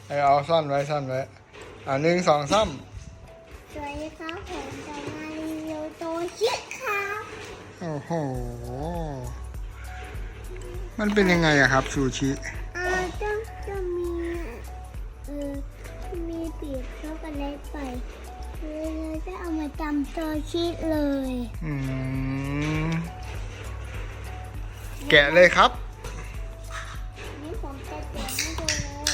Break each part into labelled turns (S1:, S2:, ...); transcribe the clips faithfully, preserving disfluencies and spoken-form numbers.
S1: อเอาซ่อนไว้ซ่อนไว้อ่าหนึ่งสองสาม
S2: สวัสดีครับผมจะมารีวิวโตชิครับ
S1: โอ้โหมันเป็นยังไงอะครับซูชิ
S2: อ่าจะจะมีเออมีปีกช็อกโกแลตไปเลยจะเอามาจำโตชิเลย
S1: อืมแกะเลยครับ
S2: นี่ผมจะเตรียมให้ดูเลย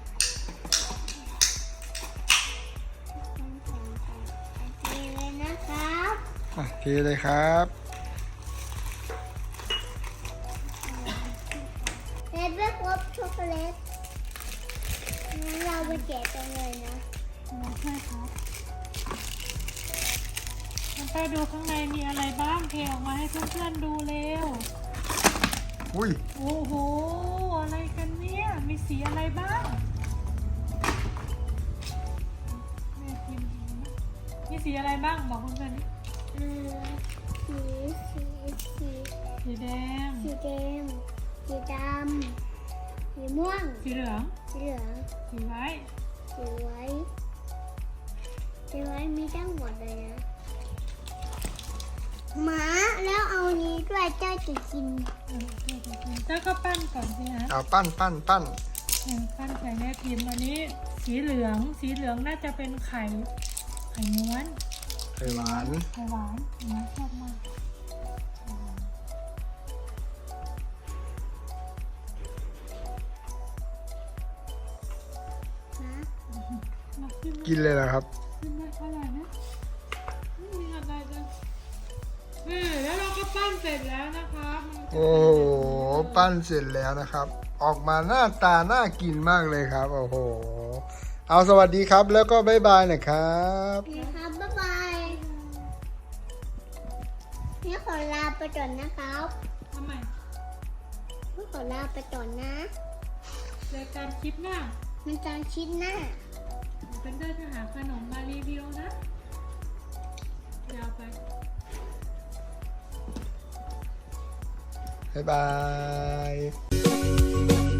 S2: โอเคเลยนะครับ
S1: อ่ะเทเลยครับ
S2: เลดเวลครบช็อกโกแลตงั้นเราไปแกะกันเลยนะ
S3: ใช่ครับมันไปดูข้างในมีอะไรบ้างเทออกมาให้เพื่อนๆดูเร็ว
S1: อุ้ย
S3: โอ้โห อะไรกันเนี่ย มีสีอะไรบ้างแม่พิมพ์ดูนะมีสีอะไรบ้างบอกเพื่อนๆดิ
S2: เออสีสีสี
S3: สีแดง
S2: สีแดงสีดำสีม่วง
S3: สีเหลือง
S2: สีเหลือง
S3: สีไว้
S2: สีไว้สีไว้มีทั้งหมดเลยนะหมาแล้วเอานี้ด้วยเจ้าจะกิน
S3: เออเดี๋ยวจะกินเจ้าก็ปั้นก่อนสิฮะ
S1: เอาปั้นปั้นปั้น
S3: เออปั้นใส่แม่พิมพ์อันนี้ สีเหลือง สีเหลืองน่าจะเป็นไข่ ไข่ม้วน
S1: ไข่หวาน
S3: ไข่หวานหมาชอบมากอืม
S2: นะ
S3: มาขึ้น
S1: กินเลยเหรอครับ
S3: ขึ้นได้เท่าไหร่นะไม่มีอะไรเลยเออแล้วเราก็ปั้นเสร็จแล้วนะคะมันจะ
S1: โอ้โหปั้นเสร็จแล้วนะครับ ออกมาหน้าตาน่ากินมากเลยครับ โอ้โหเอาสวัสดีครับแล้วก็บ๊ายบายหนะครับ
S2: นะครับบ๊ายบายนี่ขอลาไปก่อนนะครับ
S3: ทำไม
S2: นี่ขอลาไปก่อนนะ
S3: เจอกันคลิปหน้า
S2: มันจางชิ้นหน้า
S3: เป็นเดินจะหาขนมมารีวิวนะยาวไป
S1: บ๊ายบาย